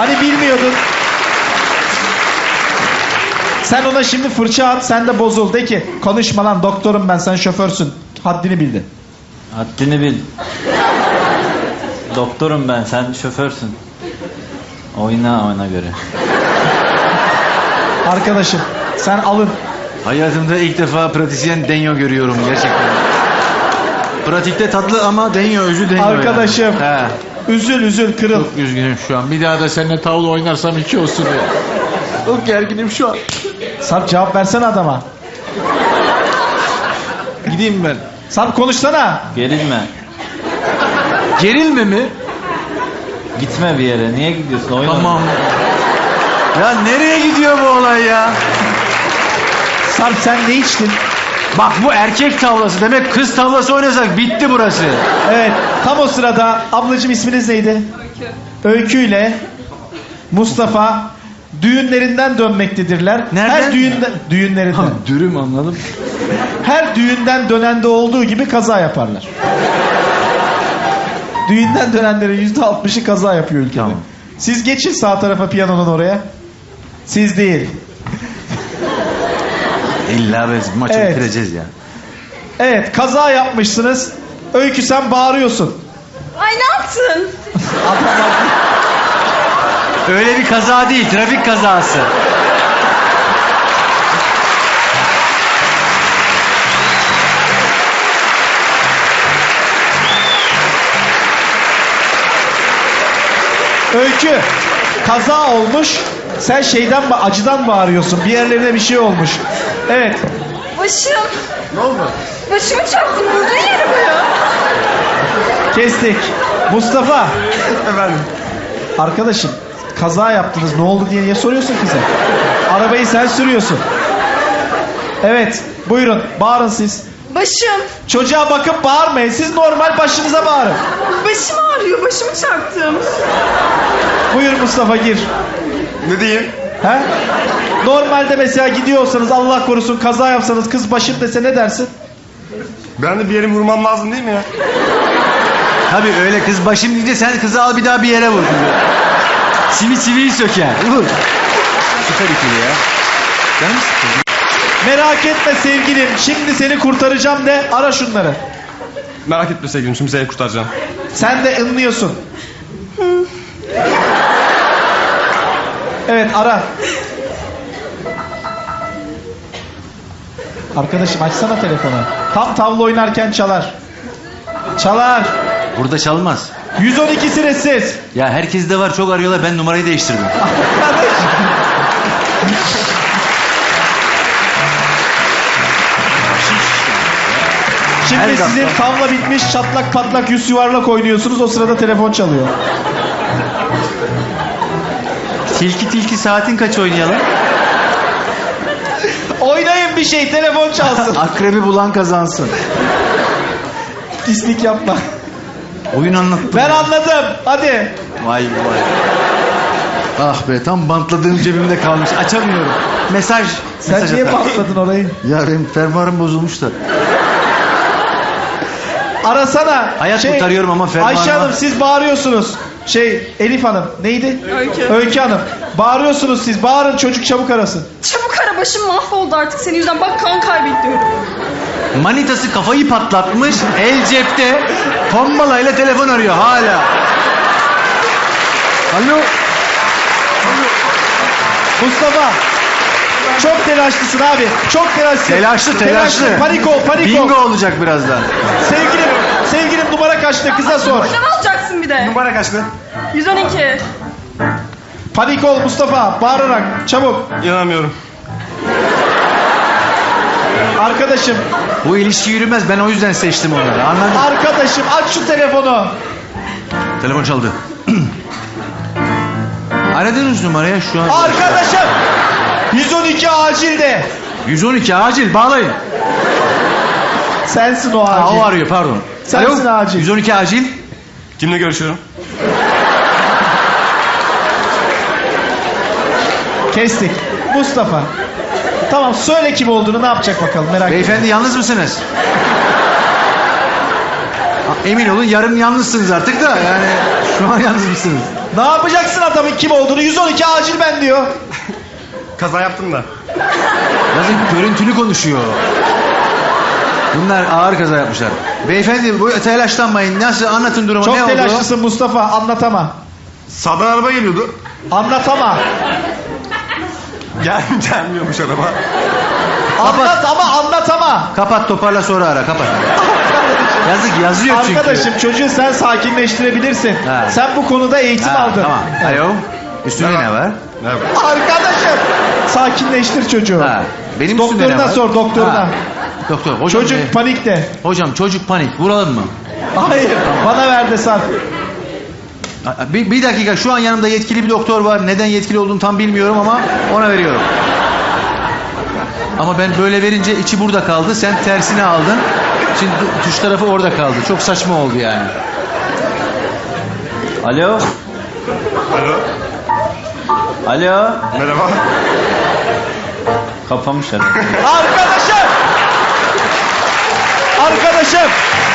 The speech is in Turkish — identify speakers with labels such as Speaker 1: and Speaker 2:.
Speaker 1: Hani bilmiyordun. Sen ona şimdi fırça at, sen de bozul. De ki konuşma lan, doktorum ben, sen şoförsün. Haddini bildin.
Speaker 2: Haddini bil. Doktorum ben, sen şoförsün. Oyna ona göre.
Speaker 1: Arkadaşım sen alın.
Speaker 3: Hayatımda ilk defa pratisyen denyo görüyorum gerçekten. Pratikte tatlı ama denyo özü denyo.
Speaker 1: Arkadaşım.
Speaker 3: Yani.
Speaker 1: Üzül kırıl.
Speaker 3: Çok üzgünüm şu an. Bir daha da seninle tavla oynarsam 2 olsun ya. Çok gerginim şu an.
Speaker 1: Sarp cevap versene adama.
Speaker 3: Gideyim ben.
Speaker 1: Sarp konuşsana.
Speaker 2: Gerilme.
Speaker 3: Gerilme mi?
Speaker 2: Gitme bir yere. Niye gidiyorsun? Oyna.
Speaker 3: Tamam. Ya nereye gidiyor bu olay ya?
Speaker 1: Sarp sen ne içtin?
Speaker 3: Bak bu erkek tavlası. Demek kız tavlası oynasak bitti burası.
Speaker 1: Evet, tam o sırada ablacığım isminiz neydi? Öykü ile Mustafa düğünlerinden dönmektedirler.
Speaker 3: Nereden?
Speaker 1: Her düğünlerinden.
Speaker 3: Dürüm anladım.
Speaker 1: Her düğünden dönende olduğu gibi kaza yaparlar. Düğünden dönenlerin %60'ı kaza yapıyor ülkede.
Speaker 3: Tamam.
Speaker 1: Siz geçin sağ tarafa, piyanonun oraya. Siz değil.
Speaker 3: İlla biz maçı
Speaker 1: Evet.
Speaker 3: bitireceğiz ya.
Speaker 1: Evet, kaza yapmışsınız. Öykü sen bağırıyorsun.
Speaker 4: Ay ne yaptın?
Speaker 3: Öyle bir kaza değil, trafik kazası.
Speaker 1: Öykü, kaza olmuş. Sen acıdan bağırıyorsun. Bir yerlerine bir şey olmuş. Evet.
Speaker 4: Başım.
Speaker 3: Ne oldu?
Speaker 4: Başımı çarptım. Vurdun yere bu ya.
Speaker 1: Kestik. Mustafa.
Speaker 3: Efendim.
Speaker 1: Arkadaşım, kaza yaptınız. Ne oldu diye niye soruyorsun kıza? Arabayı sen sürüyorsun. Evet. Buyurun. Bağırın siz.
Speaker 4: Başım.
Speaker 1: Çocuğa bakıp bağırmayın. Siz normal başınıza bağırın.
Speaker 4: Başım ağrıyor. Başımı çarptım.
Speaker 1: Buyur Mustafa, gir.
Speaker 5: Ne diyeyim?
Speaker 1: He? Normalde mesela gidiyorsanız, Allah korusun kaza yapsanız, kız başım dese ne dersin?
Speaker 5: Ben de bir yere vurmam lazım değil mi ya?
Speaker 3: Tabii öyle kız başım deyince sen kızı al bir daha bir yere vur. Çiviyi söker. Vur. Süper ikili ya. Canım sıkıldı.
Speaker 1: Merak etme sevgilim, şimdi seni kurtaracağım de, ara şunları.
Speaker 5: Merak etme sevgilim, şimdi seni kurtaracağım.
Speaker 1: Sen de ınlıyorsun. Evet, ara. Arkadaşım açsana telefonu. Tam tavla oynarken çalar. Çalar.
Speaker 3: Burada çalmaz.
Speaker 1: 112 sessiz.
Speaker 3: Ya herkes de var, çok arıyorlar, ben numarayı değiştirdim.
Speaker 1: Şimdi
Speaker 3: Her
Speaker 1: sizin
Speaker 3: dakika.
Speaker 1: tavla bitmiş, çatlak patlak yüz yuvarlak oynuyorsunuz, o sırada telefon çalıyor.
Speaker 3: Tilki saatin kaç oynayalım?
Speaker 1: Oynayın bir şey, telefon çalsın.
Speaker 3: Akrebi bulan kazansın.
Speaker 1: Pislik yapma.
Speaker 3: Oyun anlattım.
Speaker 1: Ben anladım, hadi.
Speaker 3: Vay vay. Ah be, tam bantladığım cebimde kalmış. Açamıyorum. Mesaj
Speaker 1: Sen niye
Speaker 3: atar.
Speaker 1: bantladın orayı?
Speaker 3: Ya benim fermuarım bozulmuş da.
Speaker 1: Arasana.
Speaker 3: Hayat kurtarıyorum ama fermuarım
Speaker 1: Ayşe Hanım
Speaker 3: var.
Speaker 1: siz bağırıyorsunuz. Elif Hanım neydi?
Speaker 4: Öykü.
Speaker 1: Öykü Hanım. Bağırıyorsunuz siz. Bağırın, çocuk çabuk arasın.
Speaker 4: Çabuk ara, başım mahvoldu artık senin yüzünden. Bak kan kaybediyorum.
Speaker 3: Manitası kafayı patlatmış, el cepte, tombalayla telefon arıyor hala. Alo.
Speaker 1: Mustafa. Çok telaşlısın abi. Çok telaşlısın.
Speaker 3: Telaşlı.
Speaker 1: Panik ol.
Speaker 3: Bingo olacak birazdan.
Speaker 1: Sevgilim numara kaçtı? Kıza sor.
Speaker 4: Buradan alacaksın bir de.
Speaker 5: Numara kaçtı?
Speaker 4: 112.
Speaker 1: Panik ol Mustafa. Bağırarak. Çabuk.
Speaker 5: İnanamıyorum.
Speaker 1: Arkadaşım.
Speaker 3: Bu ilişki yürümez, ben o yüzden seçtim onları, anladın?
Speaker 1: Arkadaşım aç şu telefonu.
Speaker 3: Telefon çaldı. Aradığınız numaraya şu an...
Speaker 1: Arkadaşım. 112 acilde.
Speaker 3: 112 acil, bağlayın.
Speaker 1: Sensin o
Speaker 3: Ha,
Speaker 1: acil.
Speaker 3: o arıyor, pardon.
Speaker 1: Sensin acil.
Speaker 3: 112 acil.
Speaker 5: Kimle görüşüyorum?
Speaker 1: Kestik. Mustafa. Tamam, söyle kim olduğunu, ne yapacak bakalım, merak etme.
Speaker 3: Beyefendi yalnız mısınız? Emin olun yarın yalnızsınız artık da yani şu an yalnız mısınız?
Speaker 1: Ne yapacaksın adamın kim olduğunu? 112 acil ben diyor.
Speaker 5: Kaza yaptım da.
Speaker 3: Yazık görüntülü konuşuyor. Bunlar ağır kaza yapmışlar. Beyefendi bu telaşlanmayın. Nasıl anlatın durumu
Speaker 1: Çok
Speaker 3: ne oldu?
Speaker 1: telaşlısın Mustafa, anlatama.
Speaker 5: Sağdan araba geliyordu.
Speaker 1: Anlatama.
Speaker 5: Gelmiyormuş araba.
Speaker 1: Anlat ama anlatama.
Speaker 3: Kapat toparla sonra ara kapat. Yazık yazıyor çünkü.
Speaker 1: Arkadaşım çocuğu sen sakinleştirebilirsin.
Speaker 3: Ha.
Speaker 1: Sen bu konuda eğitim
Speaker 3: Ha,
Speaker 1: aldın.
Speaker 3: Tamam. Alo. Üstünde
Speaker 5: Merhaba.
Speaker 3: ne var?
Speaker 5: Evet.
Speaker 1: Arkadaşım sakinleştir çocuğu.
Speaker 3: Ha. Benim üstümde ne
Speaker 1: Doktoruna
Speaker 3: var?
Speaker 1: sor doktoruna.
Speaker 3: Ha. Doktor. Hocam,
Speaker 1: Çocuk panikte.
Speaker 3: hocam çocuk panik. Vuralım mı?
Speaker 1: Hayır bana ver de Sarp.
Speaker 3: Bir dakika şu an yanımda yetkili bir doktor var. Neden yetkili olduğunu tam bilmiyorum ama ona veriyorum. Ama ben böyle verince içi burada kaldı. Sen tersini aldın. Şimdi tuş tarafı orada kaldı. Çok saçma oldu yani.
Speaker 2: Alo.
Speaker 5: Alo.
Speaker 2: Alo.
Speaker 5: Merhaba.
Speaker 2: Kapamış herhalde.
Speaker 1: Arkadaşım. Arkadaşım.